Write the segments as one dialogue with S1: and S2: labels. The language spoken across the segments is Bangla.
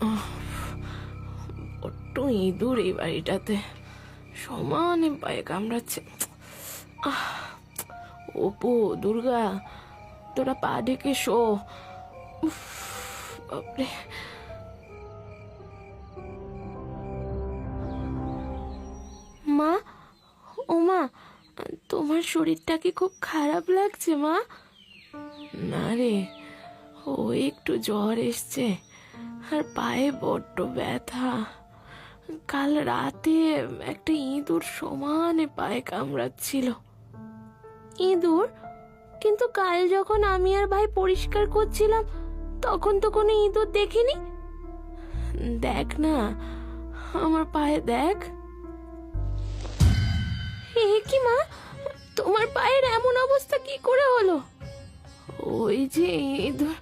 S1: বড্ড ইঁদুর এই বাড়িটাতে, সমানে পায়ে কামড়াচ্ছে। অপু, দুর্গা, তোরা পা ঢেকে শো। উফ, বাপরে। মা, ও মা, তোমার শরীরটা কি খুব খারাপ লাগছে মা? না রে, ও একটু জ্বর এসছে আর পায়ে বড্ড ব্যথা। কাল রাতে একটা ইঁদুর সমানে পায়ে কামড়াচ্ছিল। ইঁদুর? কিন্তু কাল যখন আমি আর ভাই পরিষ্কার করছিলাম তখন তো কোনো ইঁদুর দেখিনি। দেখ না, আমার পায়ে দেখ। এ কি মা, তোমার পায়ের এমন অবস্থা কি করে হলো? ওই যে ইঁদুর।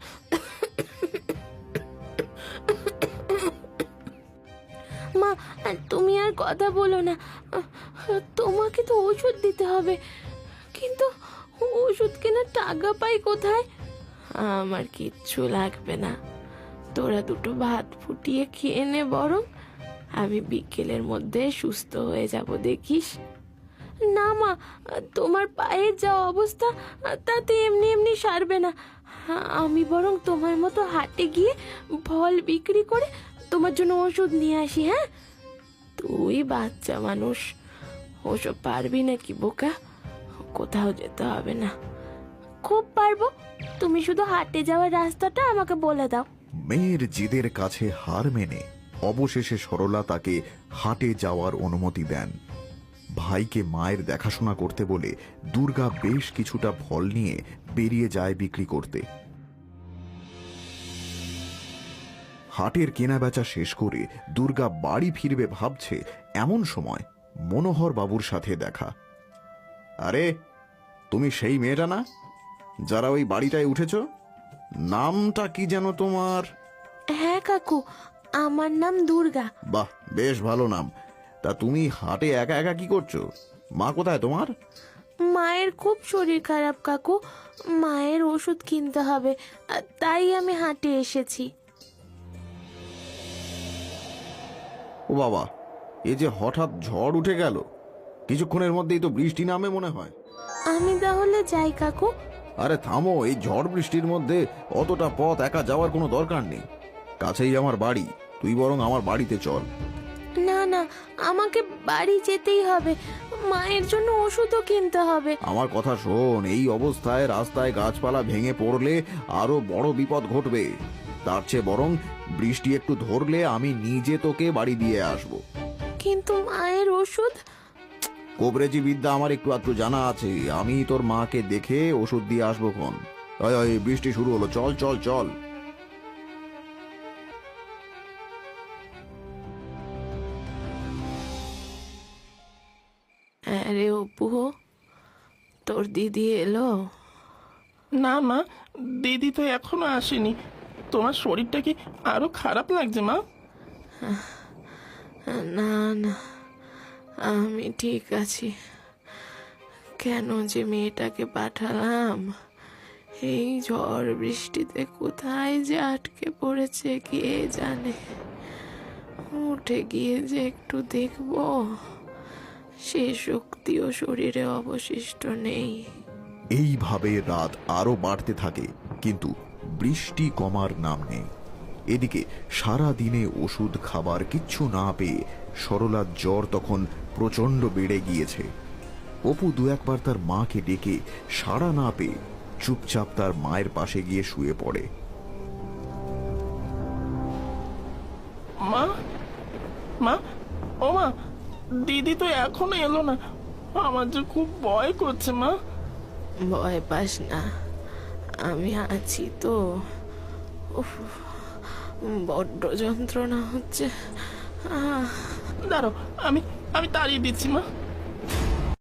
S1: মা, তুমি আর কথা বলো না, তোমাকে তো ওষুধ দিতে হবে, কিন্তু ওষুধ কেনার টাকা পাই কোথায়? আমার কিচ্ছু লাগবে না, তোরা দুটো ভাত ফুটিয়ে খেয়ে নে বরং, আমি বিকেলের মধ্যে সুস্থ হয়ে যাব দেখিস। না মা, তোমার পায়ের যা অবস্থা তাতে এমনি এমনি সারবে না। আমি বরং তোমার মতো হাটে গিয়ে ফল বিক্রি করে তোমার জন্য ওষুধ নিয়ে আসি। হ্যাঁ, তুই বাচ্চা মানুষ, ওসব পারবি নাকি বোকা? কোথাও যেতে হবে না। খুব পারবো, তুমি শুধু হাটে যাওয়ার রাস্তাটা আমাকে বলে দাও।
S2: মেয়ের জিদের কাছে হার মেনে অবশেষে সরলা তাকে হাটে যাওয়ার অনুমতি দেন। ভাইকে মায়ের দেখাশোনা করতে বলে দুর্গা বেশ কিছুটা ফল নিয়ে বেরিয়ে যায় বিক্রি করতে। হাটের কেনাবেচা শেষ করে দুর্গা বাড়ি ফিরবে ভাবছে, এমন সময় মনোহর বাবুর সাথে দেখা। আরে, তুমি সেই মেয়েটা না যারা ওই বাড়িটায় উঠেছ? নামটা কি যেন তোমার?
S1: হ্যাঁ কাকু, আমার নাম দুর্গা।
S2: বাহ, বেশ ভালো নাম। তা তুমি হাটে একা একা কি করছো? মা কোথায় তোমার?
S1: মায়ের খুব শরীর খারাপ কাকু, মায়ের ওষুধ কিনতে হবে, তাই আমি হাটে এসেছি।
S2: ও বাবা, এ যে হঠাৎ ঝড় উঠে গেল, কিছুক্ষণের মধ্যেই তো বৃষ্টি নামে মনে হয়।
S1: আমি তাহলে যাই কাকু।
S2: আরে থামো, এই ঝড় বৃষ্টির মধ্যে অতটা পথ একা যাওয়ার কোনো দরকার নেই। কাছেই আমার বাড়ি, তুই বরং আমার বাড়িতে চল।
S1: না না, আমাকে বাড়ি যেতেই হবে, মায়ের জন্য ওষুধও কিনতে হবে।
S2: আমার কথা শোন, এই অবস্থায় রাস্তায় গাছপালা ভেঙে পড়লে আরো বড় বিপদ ঘটবে। তার চেয়ে বরং বৃষ্টি একটু ধরলে আমি নিজে তোকে বাড়ি দিয়ে আসব।
S1: কিন্তু মায়ের ওষুধ?
S2: কবরেজি বিদ্যা আমার একটু আধটু জানা আছে, আমি তোর মাকে দেখে ওষুধ দিয়ে আসবো ক্ষণ। বৃষ্টি শুরু হলো, চল চল চল।
S1: আরে অপু, তোর দিদি এলো?
S3: না মা, দিদি তো এখনো আসেনি। তোমার শরীরটা কি আরো খারাপ লাগছে মা?
S1: না না, আমি ঠিক আছি। কেন যে মেয়েটাকে পাঠালাম, এই ঝড় বৃষ্টিতে কোথায় যে আটকে পড়েছে কে জানে। উঠে গিয়ে যে একটু দেখবো, সে শক্তিও শরীরে অবশিষ্ট নেই।
S2: এইভাবে রাত আরো বাড়তে থাকে, কিন্তু বৃষ্টি কমার নাম নেই। এদিকে সারা দিনে ওষুধ খাবার কিচ্ছু না পেয়ে সরলার জ্বর তখন প্রচন্ড বেড়ে গিয়েছে। অপু দু একবার তার মাকে ডেকে সাড়া না পেয়ে চুপচাপ তার মায়ের পাশে গিয়ে শুয়ে পড়ে।
S3: মা, মা, ও মা, দিদি তো এখনো এলো না। আমার যে খুব ভয় করছে মা।
S1: ভয় পাস না, আমি আছি তো। উফ, বড্ড যন্ত্রণা হচ্ছে।
S3: দাঁড়াও, আমি আমি তাড়িয়ে দিচ্ছি মা।